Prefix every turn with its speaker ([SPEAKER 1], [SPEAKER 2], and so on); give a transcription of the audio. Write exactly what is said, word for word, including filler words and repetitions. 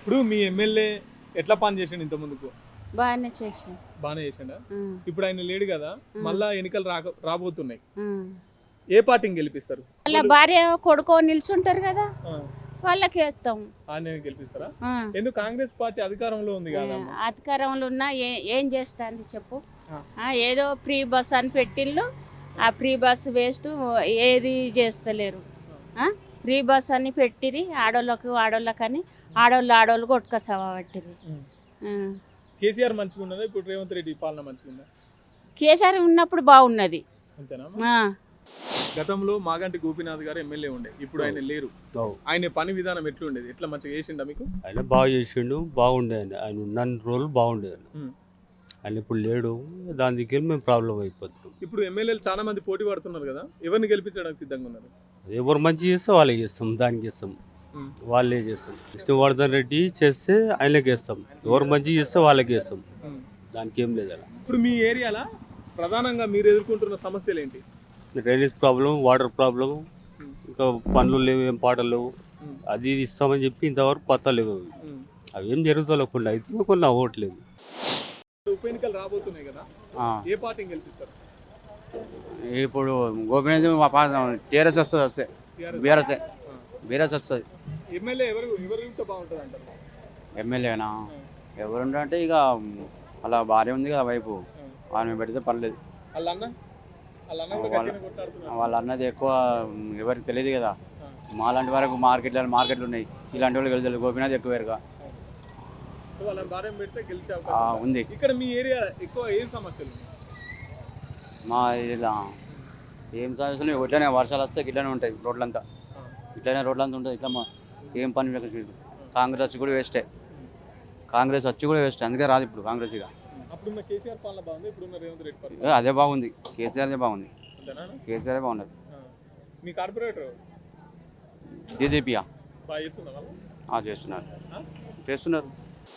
[SPEAKER 1] ఇప్పుడు మీ ఎమ్మెల్యే ఎట్లా పని చేసిండు ఇంత ముందుకు?
[SPEAKER 2] బాగానే చేసాను.
[SPEAKER 1] బాగానే చేసిండా? ఇప్పుడు ఆయన లేడు కదా, మళ్ళా ఎన్నికలు రాక రాబోతున్నాయి. ఏ పార్టీని గెలిపిస్తారు?
[SPEAKER 2] వాళ్ళ భార్య కొడుకో నిల్చుంటారు కదా, వాళ్ళకి వేస్తాం.
[SPEAKER 1] ఆయన గెలిపిస్తారా? ఎందుకు? కాంగ్రెస్ పార్టీ అధికారంలో ఉంది కదా.
[SPEAKER 2] అధికారంలో ఉన్నా ఏం చేస్తుంది చెప్పు? ఏదో ఫ్రీ బస్ అని పెట్టిళ్ళు, ఆ ఫ్రీ బస్ వేస్ట్, ఏది చేస్తలేరు. ఫ్రీ బస్ అని పెట్టిరి, ఆడోళ్ళకు ఆడోళ్ళకని ఆడోళ్ళు ఆడోళ్ళు కొట్టుకొచ్చావా పట్టిరి.
[SPEAKER 1] కేసీఆర్ మంచిగా ఉన్నదా? ఇప్పుడు రేవంత్ రెడ్డి పాలన మంచిగా ఉందా?
[SPEAKER 2] కేసీఆర్ ఉన్నప్పుడు బాగున్నది.
[SPEAKER 1] అంతేనా? గతంలో మాగంటి గోపీనాథ్ గారు ఎమ్మెల్యే ఉండే, ఇప్పుడు ఆయన లేరు. ఆయన పని విధానం ఎట్లుండేది? ఎట్లా మంచిగా చేసిండా మీకు?
[SPEAKER 3] ఆయన బాగా చేసిండు, బాగుండే. ఆయన ఆయన ఉన్న రోజులు బాగుండేది. ఆయన ఇప్పుడు లేడు, దాని దగ్గర మేము ప్రాబ్లం అయిపోతున్నాం.
[SPEAKER 1] ఇప్పుడు ఎమ్మెల్యేలు చాలా మంది పోటీ పడుతున్నారు కదా, ఎవరిని గెలిపించడానికి సిద్ధంగా ఉన్నారు?
[SPEAKER 3] ఎవరు మంచి చేస్తే వాళ్ళకి చేస్తాం, దానికి ఇస్తాం, వాళ్ళే చేస్తాం. విష్ణువర్ధన్ రెడ్డి చేస్తే ఆయనకి వేస్తాం, ఎవరు మంచి చేస్తే వాళ్ళకి వేస్తాం, దానికి ఏం లేదు. అలా
[SPEAKER 1] ఇప్పుడు మీ ఏరియాలో ప్రధానంగా మీరు ఎదుర్కొంటున్న సమస్యలు ఏంటి?
[SPEAKER 3] డ్రైనేజ్ ప్రాబ్లం, వాటర్ ప్రాబ్లం, ఇంకా పనులు లేవు, ఏం పాటలు లేవు. అది ఇది ఇస్తామని చెప్పి ఇంతవరకు పత్తా లేవు. అవి ఏం జరుగుతలేకుండా అయితే కొన్ని అవ్వట్లేదు.
[SPEAKER 1] ఉప ఎన్నికలు రాబోతున్నాయి కదా, ఏ పార్టీని గెలిపిస్తారు?
[SPEAKER 4] ఇప్పుడు గోపీనాథ్ టీఆర్ఎస్ వస్తుంది, వస్తే బీఆర్ఎస్ బీఆర్ఎస్ వస్తుంది.
[SPEAKER 1] ఎమ్మెల్యే ఎవరు ఎవరు ఉంటే బాగుంటుంది అంటారు?
[SPEAKER 4] ఎమ్మెల్యేనా ఎవరుంటే ఇక అలా భార్య ఉంది కదా వైపు, ఆమె పెడితే పర్లేదు. వాళ్ళ అన్నది ఎక్కువ ఎవరికి తెలియదు కదా, మాలాంటి వరకు మార్కెట్లు మార్కెట్లు ఉన్నాయి, ఇలాంటి వాళ్ళు గెలుస్తారు. గోపీనాథ్ ఎక్కువ వేరుగా ఉంది.
[SPEAKER 1] ఇక్కడ మీ ఏరియా ఎక్కువ ఏం సమస్యలు?
[SPEAKER 4] మా ఇలా ఏం సమస్యలు ఇట్లానే, వర్షాలు వస్తే ఇట్లానే ఉంటాయి, రోడ్లంతా ఇట్లానే రోడ్లంతా ఉంటుంది. ఇట్లా మా ఏం పని కాంగ్రెస్ వచ్చి కూడా వేస్టే, కాంగ్రెస్ వచ్చి కూడా వేస్ట్, అందుకే రాదు ఇప్పుడు కాంగ్రెస్. ఇక అదే బాగుంది, కేసీఆర్దే బాగుంది, కేసీఆర్ బాగున్నది.
[SPEAKER 1] మీ కార్పొరేటర్
[SPEAKER 4] దీదీపియా చేస్తున్నారు చేస్తున్నారు